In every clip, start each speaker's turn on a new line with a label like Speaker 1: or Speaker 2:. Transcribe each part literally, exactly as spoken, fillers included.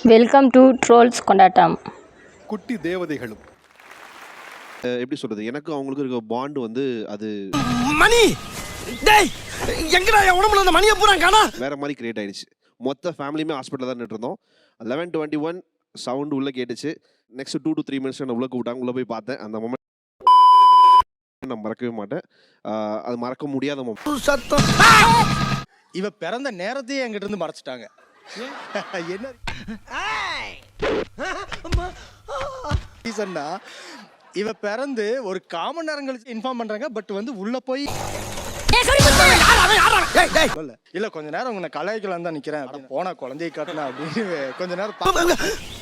Speaker 1: Welcome to trolls கொண்டாட்டம்.
Speaker 2: குட்டி தேவதைகளும்
Speaker 3: எப்படி சொல்றது, எனக்கு அவங்களுக்கு இருக்க பாண்ட் வந்து அது
Speaker 4: மணி டேய் எங்கடா என் உடம்புல அந்த மணியை பூரா காணா
Speaker 3: வேற மாதிரி கிரியேட் ஆயிடுச்சு. மொத்த ஃபேமிலியுமே ஹாஸ்பிட்டல் தான் நின்று இருந்தோம். லெவன் டுவெண்ட்டி ஒன் சவுண்ட் உள்ள கேட்டுச்சு. Next two to three minutes என்ன உள்ள கூப்பிட்டாங்க. உள்ள போய் பார்த்தேன். அந்த மொமெண்ட் நான் மறக்கவே மாட்டேன். அது மறக்க முடியாத மொமெண்ட்.
Speaker 4: சத்தம். இவ பிறந்த நேரத்தையே என்கிட்ட இருந்து மறைச்சிட்டாங்க. என்ன ரீசன்னா இவ பிறந்து ஒரு காமன் நேரம் கழிச்சு இன்ஃபார்ம் பண்றாங்க. பட் வந்து உள்ள போய் இல்ல கொஞ்ச நேரம் உங்களை கலாய்க்கலாம் தான் நிக்கிறேன். போனா குழந்தையை காட்டினா அப்படின்னு கொஞ்ச நேரம்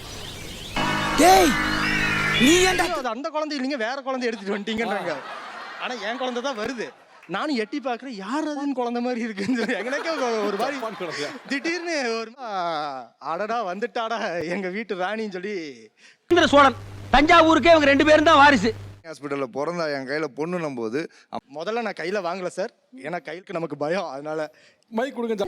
Speaker 4: அந்த குழந்தை இல்லைங்க வேற குழந்தை எடுத்துட்டு வந்துட்டீங்கன்றாங்க. ஆனா என் குழந்தை தான் வருது. நானும் எட்டி பாக்குறேன் யார் அதுன்னு குழந்தை மாதிரி இருக்குன்னு சொல்லி எனக்கே ஒரு மாதிரி திடீர்னு ஒரு அடடா வந்துட்டாடா எங்க வீட்டு ராணின்னு சொல்லி
Speaker 5: சோழன் தஞ்சாவூருக்கே இவங்க ரெண்டு பேரும் தான் வாரிசு.
Speaker 6: ஹாஸ்பிட்டல்ல பிறந்தா என் கையில பொண்ணுனும் போது
Speaker 4: முதல்ல நான் கையில வாங்கல சார். ஏன்னா கைக்கு நமக்கு பயம். அதனால
Speaker 2: மைக் கொடுங்க.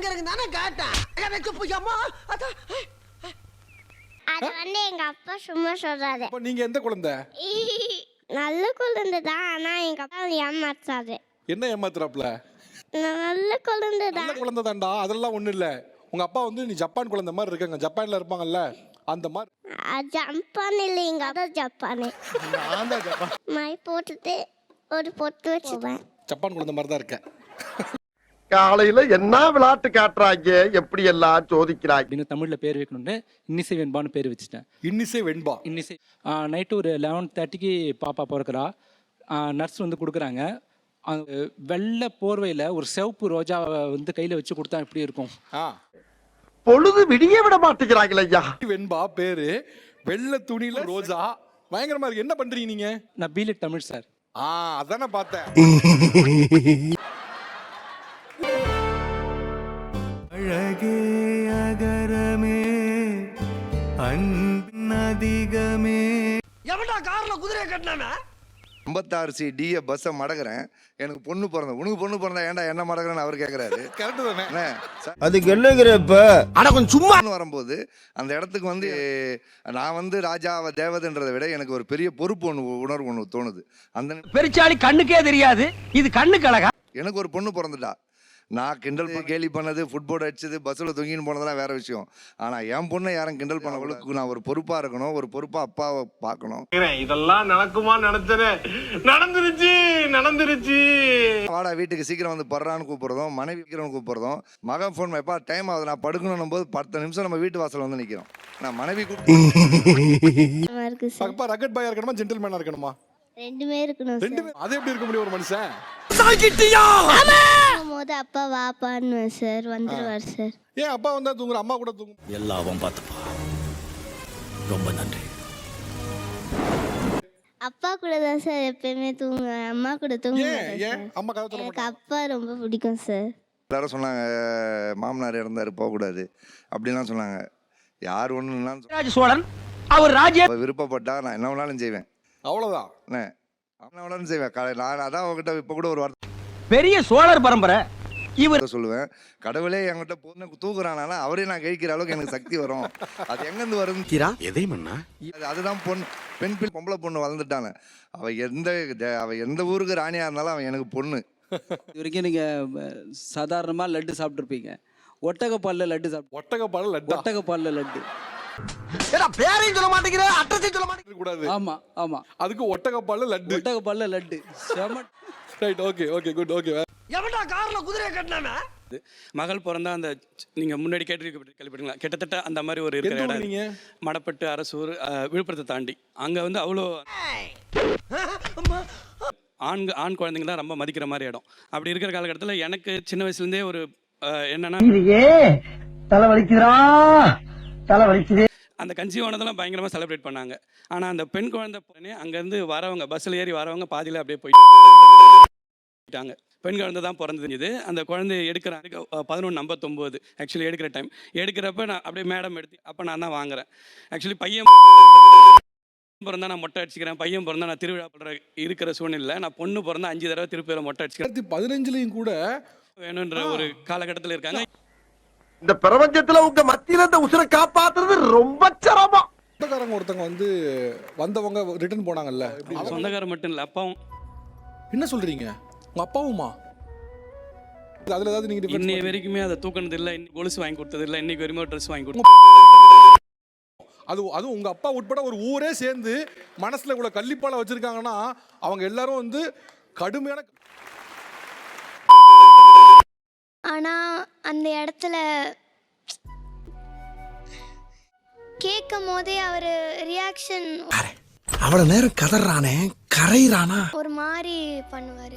Speaker 7: அது வந்து எங்க அப்பா சும்மா சொல்றாரு.
Speaker 2: அப்ப நீங்க எந்த குழந்தை?
Speaker 7: நல்ல குழந்தை தான். ஆனா எங்க அப்பா ஏமாத்தாரு.
Speaker 2: என்ன ஏமாத்துறாப்ல?
Speaker 7: நல்ல குழந்தை தான்.
Speaker 2: நல்ல குழந்தை தான்டா. அதெல்லாம் ஒண்ணு இல்ல. உங்க அப்பா வந்து நீ ஜப்பான் குழந்தை மாதிரி இருக்காங்க. ஜப்பான்ல இருப்பாங்கல்ல அந்த மாதிரி.
Speaker 7: ஜப்பான் இல்லைங்க அதான் ஜப்பானே.
Speaker 4: நான் தான் ஜப்பான்.
Speaker 7: மை போட்டுட்டு ஒரு பொட்டு வச்சுப்பேன்.
Speaker 2: ஜப்பான் குழந்தை மாதிரி தான் இருக்கேன்.
Speaker 8: காலையில என்ன விளையாட்டு காட்டுறாங்க, எப்படி எல்லாம் சோதிக்கிறாங்க.
Speaker 9: தமிழ்ல பேர் வைக்கணும்னு இன்னிசை வெண்பான்னு பேர் வச்சுட்டேன்.
Speaker 2: இன்னிசை வெண்பா.
Speaker 9: இன்னிசை நைட்டு ஒரு லெவன் தேர்ட்டிக்கு பாப்பா பிறக்கிறா. நர்ஸ் வந்து கொடுக்குறாங்க. வெள்ளை போர்வையில ஒரு சிவப்பு ரோஜா வந்து கையில வச்சு கொடுத்தா எப்படி இருக்கும்?
Speaker 8: பொழுது விடிய விட மாட்டேங்கிறாங்களே ஐயா.
Speaker 2: வெண்பா பேரு, வெள்ளை துணியில ரோஜா, பயங்கரமா இருக்கு. என்ன பண்றீங்க நீங்க?
Speaker 9: நான் பிலிட் தமிழ் சார்.
Speaker 2: ஆ அதானே பார்த்தேன்.
Speaker 10: அழகே அகரமே அன்பின்
Speaker 4: எவன்டா கார்ல குதிரையை கட்டினானா?
Speaker 6: ஐம்பத்தாறு சி டிஏ பஸ்ஸை மடக்குறேன். எனக்கு பொண்ணு பிறந்த உனக்கு பொண்ணு பிறந்தா ஏன்டா என்ன மடக்குறேன்னு அவர் கேட்கறாரு.
Speaker 2: கரெக்ட் தானே?
Speaker 10: அதுக்கு என்னங்கிறப்ப
Speaker 4: ஆனா கொஞ்சம் சும்மா
Speaker 6: வரும்போது அந்த இடத்துக்கு வந்து நான் வந்து ராஜாவை தேவதைன்றதை விட எனக்கு ஒரு பெரிய பொறுப்பு ஒன்று உணர்வு ஒன்று தோணுது. அந்த
Speaker 5: பெருச்சாளி கண்ணுக்கே தெரியாது, இது கண்ணுக்கு அழகா.
Speaker 6: எனக்கு ஒரு பொண்ணு பிறந்துட்டா. நான் கிண்டல் கேலி பண்ணது, ஃபுட்போர்ட் அடிச்சது, பஸ்ஸில் தொங்கின்னு போனதெல்லாம் வேற விஷயம். ஆனால் என் பொண்ணை யாரும் கிண்டல் பண்ணவங்களுக்கு நான் ஒரு பொறுப்பாக இருக்கணும், ஒரு பொறுப்பாக அப்பாவை பார்க்கணும்.
Speaker 11: இதெல்லாம் நடக்குமா நினைச்சேனே, நடந்துருச்சு நடந்துருச்சு.
Speaker 6: வாடா வீட்டுக்கு சீக்கிரம் வந்து படுறான்னு கூப்பிடுறதும், மனைவி சீக்கிரம் கூப்பிடுறதும், மகன் ஃபோன் எப்பா டைம் ஆகுது நான் படுக்கணும் போது பத்து நிமிஷம் நம்ம வீட்டு வாசல் வந்து நிற்கிறோம். நான் மனைவி
Speaker 2: அப்பா ரக்கெட் பாயா இருக்கணுமா ஜென்டில்மேனா இருக்கணுமா?
Speaker 7: ரெண்டுமே இருக்கணும்.
Speaker 2: ரெண்டுமே. அது எப்படி இருக்க முடியும் ஒரு மனுஷன்?
Speaker 7: போது அப்பா வாப்பான்னு சார் வந்துருவார் சார்.
Speaker 2: ஏன் அப்பா வந்தா தூங்குற, அம்மா கூட தூங்கும்?
Speaker 10: எல்லாவும் பார்த்துப்பா. ரொம்ப நன்றி.
Speaker 7: அப்பா கூட தான் சார் எப்பயுமே தூங்குவேன். அம்மா கூட தூங்குவேன்.
Speaker 2: அம்மா கதை சொல்ல
Speaker 7: எனக்கு அப்பா ரொம்ப பிடிக்கும் சார்.
Speaker 6: எல்லாரும் சொன்னாங்க மாமனார் இறந்தாரு போகக்கூடாது அப்படின்லாம் சொன்னாங்க. யார் ஒன்று
Speaker 5: சோழன் அவர் ராஜ்ய
Speaker 6: விருப்பப்பட்டா நான் என்ன வேணாலும் செய்வேன்.
Speaker 2: அவ்வளவுதான்.
Speaker 6: என்ன வேணாலும் செய்வேன். நான் அதான் அவங்ககிட்ட இப்போ கூட ஒரு வார்த்தை
Speaker 5: பெரிய சோழர் பரம்பரை இவர்
Speaker 6: சொல்லுவேன். கடவுளே என்கிட்ட பொண்ணு தூக்குறானா அவரே நான் கழிக்கிற அளவுக்கு எனக்கு சக்தி வரும். அது எங்கிருந்து வரும்?
Speaker 10: எதை மண்ணா?
Speaker 6: அதுதான் பொண்ணு. பெண் பிள்ளை பொம்பளை பொண்ணு வளர்ந்துட்டாங்க. அவ எந்த அவ எந்த ஊருக்கு ராணியா இருந்தாலும் அவன் எனக்கு பொண்ணு.
Speaker 9: இது வரைக்கும் நீங்க சாதாரணமா லட்டு சாப்பிட்டுருப்பீங்க. ஒட்டகப்பால்ல லட்டு சாப்பிட்டு
Speaker 2: ஒட்டகப்பால் லட்டு
Speaker 9: ஒட்டகப்பால்ல லட்டு
Speaker 4: பேரையும் சொல்ல மாட்டேங்கிற, அட்ரஸையும் சொல்ல மாட்டேங்கிற
Speaker 2: கூடாது.
Speaker 9: ஆமா ஆமா
Speaker 2: அதுக்கு ஒட்டகப்பால் லட்டு.
Speaker 9: ஒட்டகப்பால்ல லட்டு செம.
Speaker 2: Right. Okay okay good. Okay.
Speaker 4: எவன்டா கார்ல குதிரையை கட்டினானா?
Speaker 12: மகள் பிறந்தா அந்த நீங்க முன்னாடி கேட்டு கேள்விப்பட்டீங்களா? கிட்டத்தட்ட அந்த மாதிரி ஒரு இருக்கிற இடம் நீங்க மடப்பட்டு அரசூர் விழுப்புரத்தை தாண்டி அங்க வந்து அவ்வளோ ஆண் ஆண் குழந்தைங்க தான் ரொம்ப மதிக்கிற மாதிரி இடம். அப்படி இருக்கிற காலகட்டத்தில் எனக்கு சின்ன வயசுலேருந்தே ஒரு என்னன்னா
Speaker 5: தலை வலிக்குதா தலை வலிக்குது.
Speaker 12: அந்த கன்சீவானதெல்லாம் பயங்கரமாக செலிப்ரேட் பண்ணாங்க. ஆனால் அந்த பெண் குழந்தை உடனே அங்கேருந்து வரவங்க பஸ்ஸில் ஏறி வரவங்க பாதியில் அப்படியே போயிட்டாங்க. பெண் குழந்தை தான் பிறந்தது. அந்த குழந்தைய எடுக்கிறாங்க பதினொன்று ஐம்பத்தொம்போது ஆக்சுவலி எடுக்கிற டைம். எடுக்கிறப்ப நான் அப்படியே மேடம் எடுத்து அப்போ நான் தான் வாங்குறேன். ஆக்சுவலி பையன் பிறந்தா நான் மொட்டை அடிச்சுக்கிறேன், பையன் பிறந்தா நான் திருவிழா பண்ணுற இருக்கிற சூழ்நிலை. நான் பொண்ணு பிறந்தா அஞ்சு தடவை திருப்பியில் மொட்டை அடிச்சுக்கிறேன்.
Speaker 2: பதினஞ்சுலையும் கூட
Speaker 12: வேணுன்ற ஒரு காலகட்டத்தில் இருக்காங்க.
Speaker 8: இந்த பிரபஞ்சத்துல உங்க மத்தியில இந்த உசுரை காப்பாத்துறது ரொம்ப சிரமம்.
Speaker 2: சொந்தக்காரங்க ஒருத்தவங்க வந்து வந்தவங்க ரிட்டர்ன் போனாங்கல்ல,
Speaker 12: சொந்தக்காரர் மட்டும் இல்லை, அப்பாவும்.
Speaker 2: என்ன சொல்றீங்க? உங்க அப்பாவுமா? அதுல ஏதாவது நீங்க difference
Speaker 12: இன்னைய வரைக்குமே அதை தூக்கினது இல்லை, இன்னைக்கு கொலுசு வாங்கி கொடுத்தது இல்லை, இன்னைக்கு வரைக்கும் ட்ரெஸ் வாங்கி கொடுத்தது.
Speaker 2: அது அதுவும் உங்க அப்பா உட்பட ஒரு ஊரே சேர்ந்து மனசுல இவ்வளவு கள்ளிப்பால வச்சிருக்காங்கன்னா அவங்க எல்லாரும் வந்து கடுமையான.
Speaker 7: ஆனா அந்த இடத்துல கேட்கும் போதே அவர் ரியாக்ஷன்
Speaker 8: அவ்வளவு நேரம் கதறானே கரையிறானா
Speaker 7: ஒரு மாதிரி பண்ணுவாரு.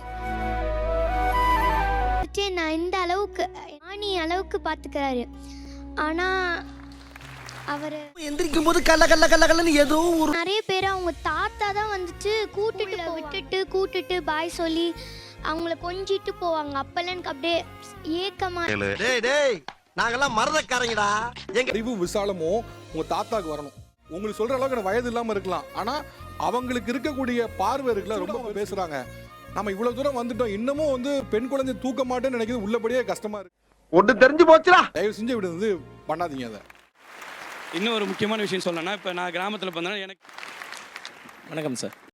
Speaker 7: நான் இந்த அளவுக்கு ஆணி அளவுக்கு பாத்துக்கிறாரு. ஆனா அவரு
Speaker 8: எந்திரிக்கும் போது கல்ல கல்ல கல்ல கல்லன்னு ஏதோ ஒரு
Speaker 7: நிறைய பேர் அவங்க தாத்தா தான் வந்துட்டு கூட்டிட்டு விட்டுட்டு கூட்டிட்டு பாய் சொல்லி அவங்கள கொஞ்சிட்டு போவாங்க. அப்பெல்லாம் எனக்கு அப்படியே ஏக்கமா.
Speaker 8: டேய் டேய் நாங்கெல்லாம் மறதக்காரங்கடா. எங்க
Speaker 2: அறிவு விசாலமும் உங்க தாத்தாக்கு வரணும். உங்களுக்கு சொல்ற அளவுக்கு எனக்கு வயது இல்லாம இருக்கலாம், ஆனா அவங்களுக்கு இருக்கக்கூடிய பார்வை இருக்குல்ல, ரொம்ப பேசுறாங்க. நம்ம இவ்வளவு தூரம் வந்துட்டோம், இன்னமும் வந்து பெண் குழந்தை தூக்க மாட்டேன்னு நினைக்கிறது உள்ளபடியே கஷ்டமா இருக்கு.
Speaker 8: ஒண்ணு தெரிஞ்சு போச்சுடா.
Speaker 2: தயவு செஞ்சு இப்படி வந்து பண்ணாதீங்க. அதை
Speaker 12: இன்னும் ஒரு முக்கியமான விஷயம் சொல்லணும்னா, இப்போ நான் கிராமத்தில் பார்த்தோன்னா எனக்கு
Speaker 9: வணக்கம் சார்.